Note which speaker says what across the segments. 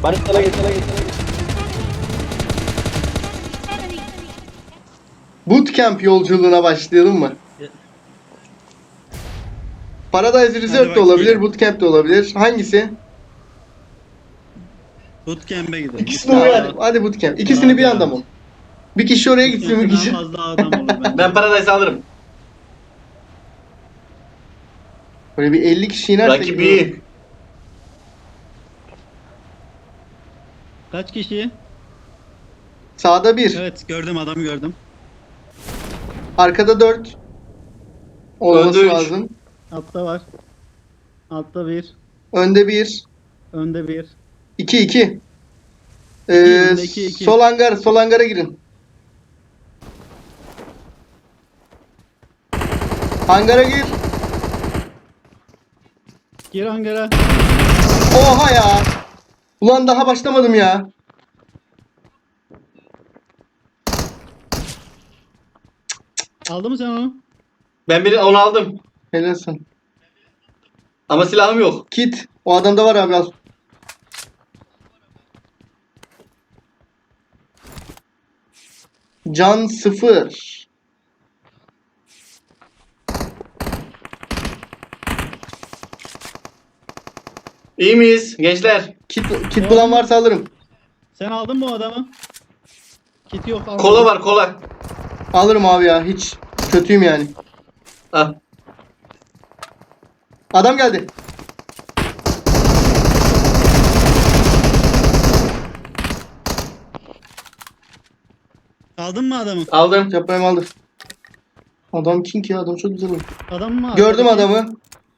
Speaker 1: Hadi sana git.
Speaker 2: Bootcamp yolculuğuna başlayalım mı? Paradise Resort da
Speaker 3: bakayım.
Speaker 2: olabilir, Bootcamp de olabilir. Hangisi?
Speaker 3: Bootcamp'e gidelim.
Speaker 1: İkisini
Speaker 2: Tamam,
Speaker 1: uyar.
Speaker 2: hadi Bootcamp. İkisini bir anda mı? Bir kişi oraya gitsin, bir
Speaker 3: Bootcamp'te daha
Speaker 2: kişi.
Speaker 3: fazla adam olur bence.
Speaker 1: Ben Paradise alırım.
Speaker 2: Böyle bir 50 kişi inersek.
Speaker 1: Rakibi iyi.
Speaker 3: Kaç kişi?
Speaker 2: Sağda 1,
Speaker 3: Evet gördüm, adamı gördüm.
Speaker 2: arkada 4 olması
Speaker 1: Önde üç.
Speaker 2: lazım.
Speaker 3: Altta var. Altta bir.
Speaker 2: Önde 1,
Speaker 3: Önde bir.
Speaker 2: 2 2.
Speaker 3: önde iki.
Speaker 2: Sol hangar, sol hangara girin. Hangara gir.
Speaker 3: Gir hangara.
Speaker 2: Oha ya. Ulan daha başlamadım ya.
Speaker 3: Aldın mı sen onu?
Speaker 1: Ben onu aldım.
Speaker 2: Helalsin.
Speaker 1: Ama silahım yok.
Speaker 2: Kit. O adamda var abi, al. Can 0.
Speaker 1: İyi miyiz gençler?
Speaker 2: Kit bulan varsa alırım.
Speaker 3: Sen aldın mı o adamı? Kit yok. almadım.
Speaker 1: Kola var kola.
Speaker 2: Alırım abi ya, hiç kötüyüm yani.
Speaker 1: Al.
Speaker 2: Adam geldi.
Speaker 3: Aldın mı adamı?
Speaker 1: Aldım.
Speaker 2: Yaprağımı aldı. Adam king ya, adam çok güzel oynuyor.
Speaker 3: Adam mı?
Speaker 2: Gördüm
Speaker 3: Arkadaki.
Speaker 2: adamı.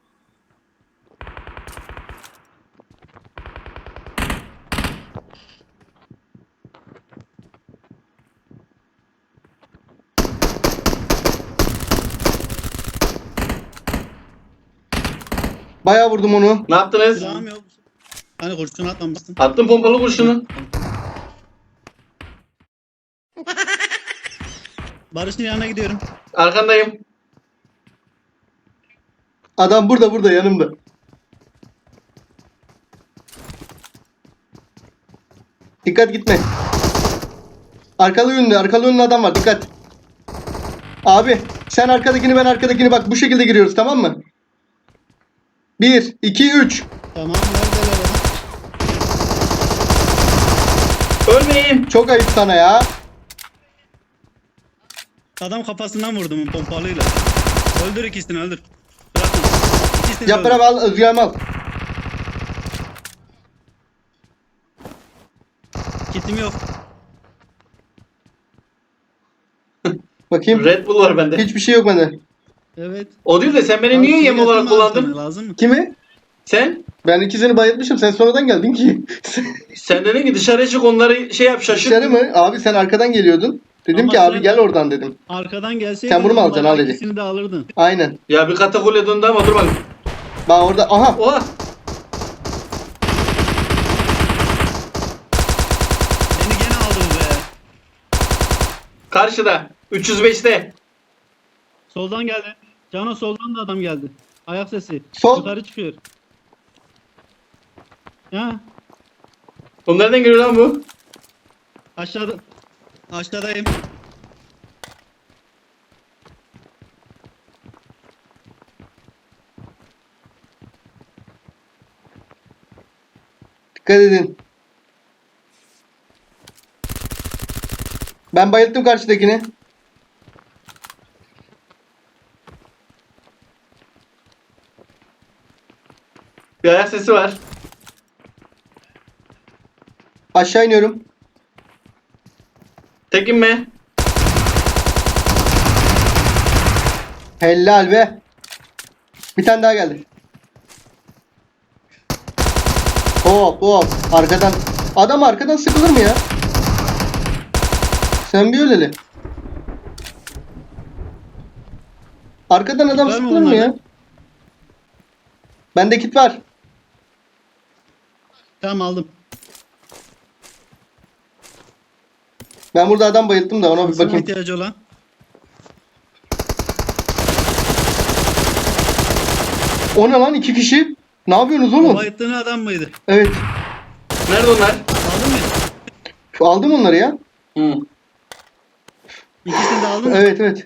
Speaker 2: Bayağı vurdum onu.
Speaker 1: Ne yaptınız?
Speaker 3: Silahım yok. Hani kurşun atmamışsın.
Speaker 1: Attım pompalı kurşunu.
Speaker 3: Barış'ın yanına gidiyorum.
Speaker 1: Arkandayım.
Speaker 2: Adam burada yanımda. Dikkat, gitme. Arkalı yönlü adam var, dikkat. Abi sen arkadakini, ben arkadakini, bak bu şekilde giriyoruz, tamam mı? 1 2 3.
Speaker 3: Tamam, neredeler adam?
Speaker 1: Ölmeyin.
Speaker 2: Çok ayıp sana ya.
Speaker 3: Adam kafasından vurdum pompalıyla. Öldür ikisini, öldür. Bırakma. İkisini de
Speaker 2: Yaprağı
Speaker 3: öldür.
Speaker 2: al, Özgür'ümü al.
Speaker 3: Kitim yok.
Speaker 2: Bakayım.
Speaker 1: Red Bull var bende.
Speaker 2: Hiçbir şey yok bende.
Speaker 3: Evet.
Speaker 1: O değil de sen beni
Speaker 3: Abi,
Speaker 1: niye
Speaker 3: şey
Speaker 1: yem olarak
Speaker 3: yapayım mı abi
Speaker 1: kullandın?
Speaker 3: sana, lazım mı?
Speaker 2: Kimi?
Speaker 1: Sen?
Speaker 2: Ben ikisini bayıltmışım. Sen sonradan geldin ki.
Speaker 1: Sen dedin ki dışarı çık onları şey yap şaşırt.
Speaker 2: Dışarı mı? Abi sen arkadan geliyordun. Dedim
Speaker 3: Ama
Speaker 2: ki abi
Speaker 3: sen-
Speaker 2: gel oradan dedim.
Speaker 3: Arkadan gelseydin
Speaker 2: Sen bunu mu alacaksın?
Speaker 3: bayağı
Speaker 2: Al dedi.
Speaker 3: İkisini de alırdın.
Speaker 2: Aynen.
Speaker 1: Ya bir katakule döndü ama dur bak.
Speaker 2: Bak orada. Aha.
Speaker 1: Oha.
Speaker 3: Beni gene aldın be.
Speaker 1: Karşıda. 305'te.
Speaker 3: Soldan geldi. Cano soldan da adam geldi. Ayak sesi.
Speaker 2: Sol.
Speaker 3: Yukarı çıkıyor. Ya
Speaker 1: Oğlum nereden geliyor lan bu?
Speaker 3: aşağıda. Aşağıdayım.
Speaker 2: Dikkat edin. Ben bayılttım karşıdakini.
Speaker 1: Bir ayak sesi var.
Speaker 2: Aşağı iniyorum.
Speaker 1: Tek inme.
Speaker 2: Helal be. Bir tane daha geldi. Hop hop. Arkadan. Adam arkadan sıkılır mı ya? Sen bir öleli. Arkadan adam
Speaker 3: Var mı
Speaker 2: sıkılır mı ya?
Speaker 3: bunlarda?
Speaker 2: Bende kit var.
Speaker 3: Tamam, aldım.
Speaker 2: Ben burada adam bayılttım da ona bir
Speaker 3: Sana
Speaker 2: bakayım.
Speaker 3: ihtiyacı olan.
Speaker 2: O ne lan, 2 kişi? Ne yapıyorsunuz
Speaker 3: O
Speaker 2: oğlum?
Speaker 3: bayıttığın adam mıydı?
Speaker 2: Evet.
Speaker 1: Nerede onlar?
Speaker 2: Aldım onları ya.
Speaker 1: Hı.
Speaker 3: İkisini de aldın mı?
Speaker 2: Evet evet.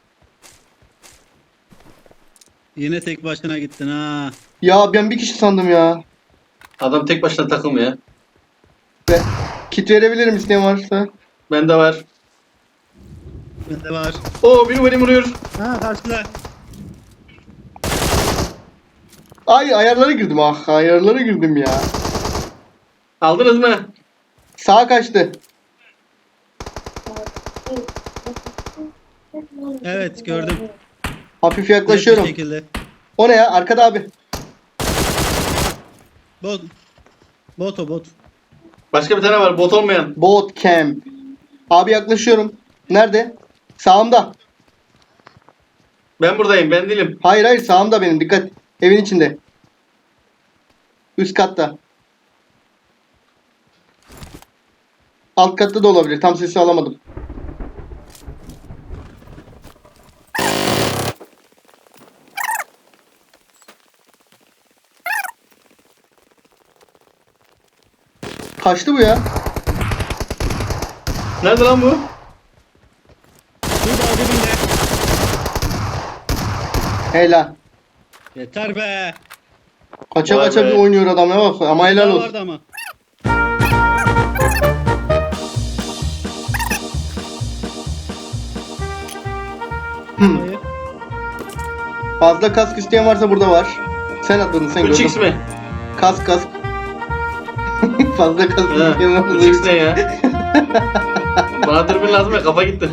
Speaker 3: Yine tek başına gittin ha.
Speaker 2: Ya ben bir kişi sandım ya.
Speaker 1: Adam tek başına takılmıyor.
Speaker 2: Ve kit verebilirim isteyen varsa.
Speaker 1: Bende var.
Speaker 3: Bende var.
Speaker 1: Oo biri beni vuruyor.
Speaker 3: Ha karşıda.
Speaker 2: Ay ayarlara girdim ah ayarlara girdim ya.
Speaker 1: Aldınız mı?
Speaker 2: Sağa kaçtı.
Speaker 3: Evet gördüm.
Speaker 2: Hafif
Speaker 3: Net bir
Speaker 2: yaklaşıyorum.
Speaker 3: şekilde.
Speaker 2: O ne ya? Arkada abi.
Speaker 3: Bot. Bot o bot.
Speaker 1: Başka bir tane var bot olmayan.
Speaker 2: Boat camp. Abi yaklaşıyorum. Nerede? Sağımda.
Speaker 1: Ben buradayım ben değilim.
Speaker 2: Hayır hayır sağımda benim. Dikkat. Evin içinde. Üst katta. Alt katta da olabilir. Tam sesi alamadım. Kaçtı bu ya.
Speaker 1: Nerede lan bu?
Speaker 3: Şurada dibinde.
Speaker 2: Helal.
Speaker 3: Yeter be.
Speaker 2: Kaça
Speaker 1: Vay
Speaker 2: kaça
Speaker 1: be.
Speaker 2: bir oynuyor adam ya bak. Ama helal
Speaker 3: Daha
Speaker 2: olsun.
Speaker 3: vardı ama. Hayır.
Speaker 2: Fazla kask isteyen varsa burada var. Sen atladın sen
Speaker 1: 3x
Speaker 2: gördün.
Speaker 1: mi?
Speaker 2: Kask kask. Fazla kask
Speaker 1: Ha,
Speaker 2: isteyen varsa.
Speaker 1: 3x ne ya? Bana dürbün lazım ya kafa gitti.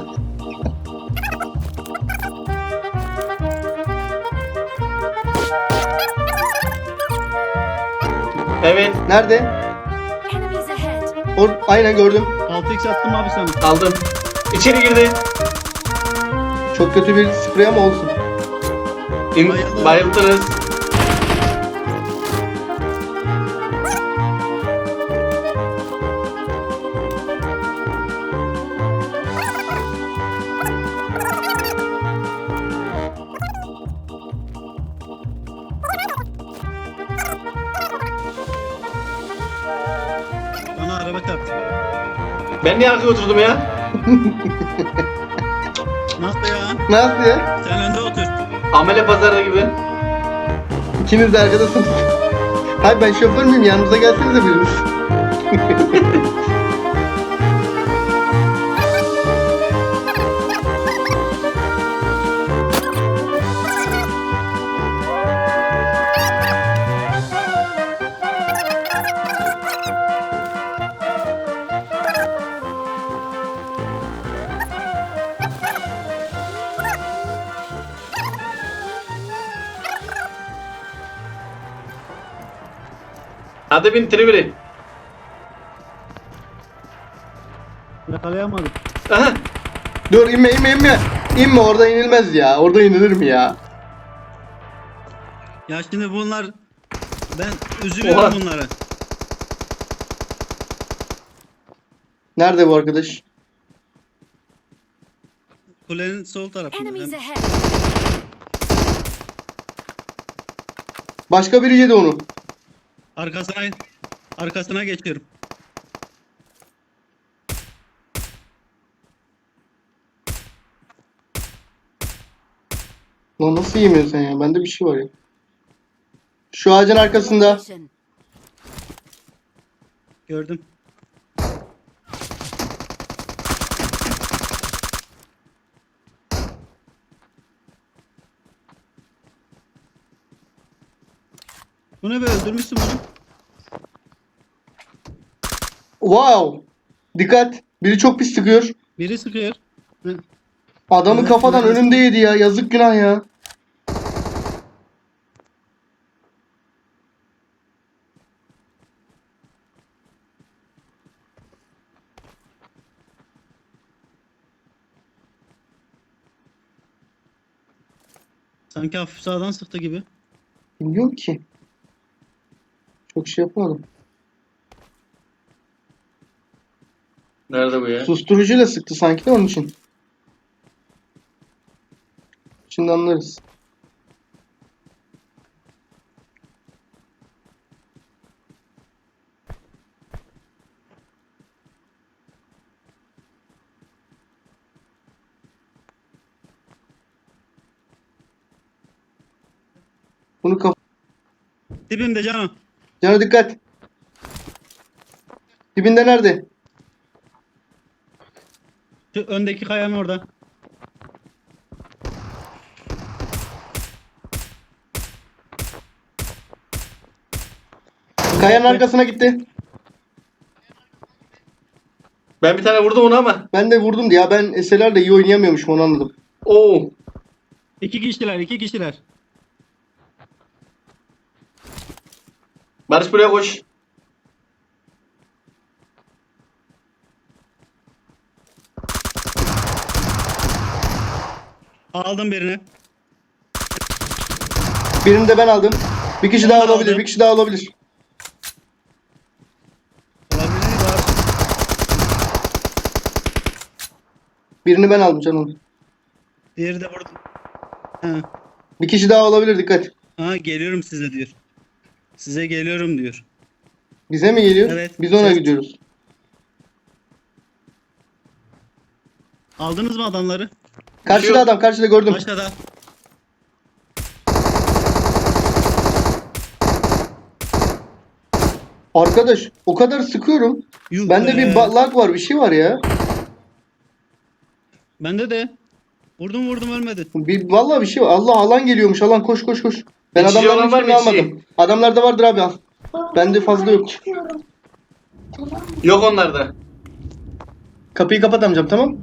Speaker 1: Evet
Speaker 2: Nerede?
Speaker 4: Enemies ahead.
Speaker 2: Aynen gördüm.
Speaker 3: 6x attım abi sana.
Speaker 1: aldım. İçeri girdi.
Speaker 2: Çok kötü bir sprey ama olsun.
Speaker 3: Bayıldı.
Speaker 1: Bayıltırız.
Speaker 3: Bana araba çarptı.
Speaker 1: Ben niye arkaya oturdum ya?
Speaker 3: Nasıl ya?
Speaker 2: Nasıl ya?
Speaker 3: Sen önde otur.
Speaker 1: Amele pazarı gibi.
Speaker 2: İkiniz de arkadasınız. Hayır ben şoför müyüm? Yanımıza gelsenize biriniz.
Speaker 1: Hadi bin Triviri.
Speaker 3: Yakalayamadım.
Speaker 1: Aha.
Speaker 2: Dur inme inme inme. İnme orada inilmez ya. Orada inilir mi ya?
Speaker 3: Ya şimdi bunlar... Ben üzülüyorum
Speaker 1: Oha.
Speaker 3: bunlara.
Speaker 2: Nerede bu arkadaş?
Speaker 3: Kulenin sol tarafında.
Speaker 4: Enemies
Speaker 3: Ben-
Speaker 4: ahead.
Speaker 2: Başka biri yedi onu.
Speaker 3: Arkasına geçiyorum.
Speaker 2: Lan nasıl yemiyorsun sen ya? Bende bir şey var ya. Şu ağacın arkasında.
Speaker 4: Location.
Speaker 3: Gördüm. Bu ne be, öldürmüşsün bunu.
Speaker 2: Wow. Dikkat. Biri çok pis sıkıyor.
Speaker 3: Biri sıkıyor. Hı.
Speaker 2: Adamı
Speaker 3: Evet,
Speaker 2: kafadan
Speaker 3: evet.
Speaker 2: önümde yedi ya. Yazık günah ya.
Speaker 3: Sanki hafif sağdan sıktı gibi.
Speaker 2: Bilmiyorum ki. Çok şey yapmadım.
Speaker 1: Nerede bu ya?
Speaker 2: Susturucuyla sıktı sanki de onun için. Şimdi anlarız. Bunu kaf...
Speaker 3: Dibimde canım.
Speaker 2: Cana dikkat. Dibinde nerede?
Speaker 3: Şu öndeki kayanın orada.
Speaker 2: Kayanın arkasına gitti.
Speaker 1: Ben bir tane vurdum onu ama.
Speaker 2: Ben de vurdum ya. Ben SLR'le iyi oynayamıyormuşum, onu anladım.
Speaker 1: Oo.
Speaker 3: İki kişiler, iki kişiler.
Speaker 1: Barış buraya koş.
Speaker 3: Aldım birini.
Speaker 2: Birini de ben aldım. Bir kişi
Speaker 3: Ben
Speaker 2: daha
Speaker 3: de
Speaker 2: olabilir.
Speaker 3: aldım.
Speaker 2: Bir kişi daha olabilir.
Speaker 3: Olabilir var.
Speaker 2: Birini ben aldım canım.
Speaker 3: Diğeri de burada. Ha.
Speaker 2: Bir kişi daha olabilir, dikkat.
Speaker 3: Ha, geliyorum size diyor. Size geliyorum diyor.
Speaker 2: Bize mi geliyor?
Speaker 3: Evet.
Speaker 2: Biz ona
Speaker 3: Ses-
Speaker 2: gidiyoruz.
Speaker 3: Aldınız mı adamları?
Speaker 2: Karşıda adam, karşıda gördüm.
Speaker 3: Aşağıda.
Speaker 2: Arkadaş o kadar sıkıyorum.
Speaker 3: Yuh
Speaker 2: Bende
Speaker 3: be.
Speaker 2: bir lag var, bir şey var ya.
Speaker 3: Bende de. Vurdum ölmedi.
Speaker 2: Vallahi bir şey var. Allah, alan geliyormuş. Alan, koş koş koş. Ben
Speaker 1: İçici
Speaker 2: adamların
Speaker 1: olan var mı,
Speaker 2: hiçbirini
Speaker 1: içici?
Speaker 2: almadım. Adamlarda vardır abi, al. Bende fazla yok.
Speaker 1: Yok onlarda.
Speaker 2: Kapıyı kapat amcam, tamam?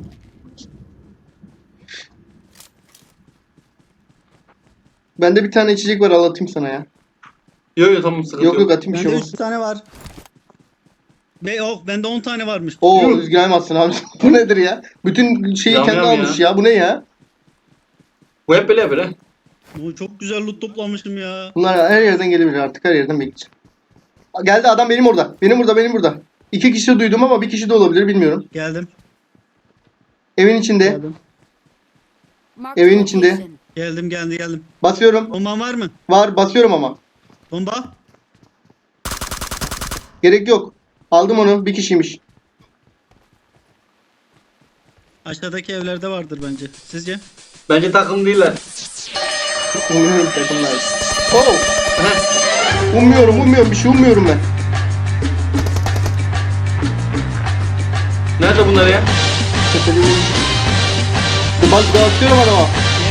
Speaker 2: Bende bir tane içecek var, al atayım sana ya.
Speaker 1: Yok yok tamam sıkıntı
Speaker 2: Yok
Speaker 1: yok.
Speaker 2: yok, atayım bir şey
Speaker 3: Bende
Speaker 2: olmaz.
Speaker 3: 3 tane var. Yok, bende 10 tane varmış.
Speaker 2: Oo,
Speaker 1: Yuh.
Speaker 2: üzgünemezsin abi. Bu nedir ya? Bütün şeyi
Speaker 1: Yam
Speaker 2: kendi
Speaker 1: yam
Speaker 2: almış ya. Bu ne ya?
Speaker 1: Bu hep böyle yapıyor ha.
Speaker 3: Oo, çok güzel loot toplamışım ya.
Speaker 2: Bunlar her yerden gelebilir artık. Her yerden bekleyeceğim. Geldi adam, benim orada. Benim burada. İki kişi duydum ama bir kişi de olabilir, bilmiyorum.
Speaker 3: Geldim.
Speaker 2: Evin içinde.
Speaker 3: Geldim.
Speaker 4: Marked a
Speaker 2: Evin içinde.
Speaker 4: location.
Speaker 3: Geldim.
Speaker 2: Basıyorum.
Speaker 3: Bomban var mı?
Speaker 2: Var, basıyorum ama.
Speaker 3: Bomba?
Speaker 2: Gerek yok. Aldım onu. Bir kişiymiş.
Speaker 3: Aşağıdaki evlerde vardır bence. Sizce?
Speaker 1: Bence takım değiller.
Speaker 2: Umuyorum takımlar. Oh!
Speaker 1: Heh.
Speaker 2: Ummuyorum. Bir şey ummuyorum ben.
Speaker 1: Nerede bunlar ya?
Speaker 2: Bak, dağıtıyorum adama.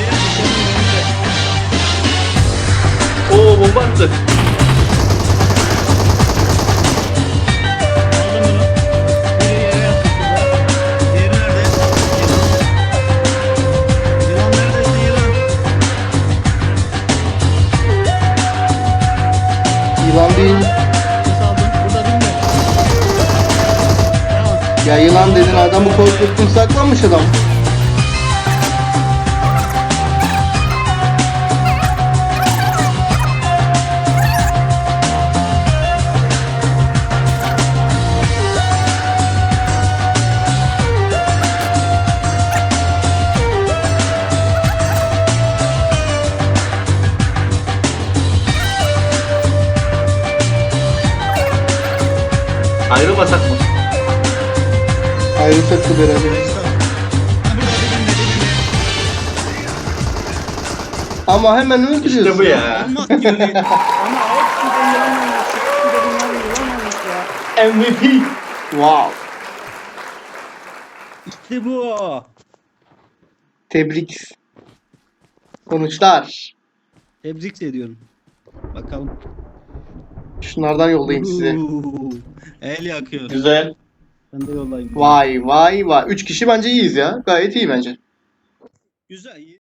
Speaker 1: Oo bomba attı.
Speaker 3: Aldım bunu. Biri yere yattı şurada. Diğeri nerede? Yılan neredesin yılan?
Speaker 2: Yılan değil.
Speaker 3: Nasıl aldın? Burada değil mi? Tamam.
Speaker 2: Ya yılan dedin, adamı korkuttun, saklanmış adam.
Speaker 1: Ayrılmasak mı?
Speaker 2: Ayrılsak da beraber.
Speaker 3: Ha, burada dibinde.
Speaker 2: Ama hemen öldürüyorsun.
Speaker 1: İşte bu ya.
Speaker 3: Olmaz ki öyle.
Speaker 1: MVP.
Speaker 2: Wow.
Speaker 3: İşte bu.
Speaker 2: Tebrik. Sonuçlar.
Speaker 3: Tebrik ediyorum. Bakalım.
Speaker 2: Şunlardan yollayayım size.
Speaker 3: El yakıyor.
Speaker 1: Güzel.
Speaker 3: Ben de yollayayım.
Speaker 2: Vay. 3 kişi bence iyiyiz ya. Gayet iyi bence.
Speaker 3: Güzel.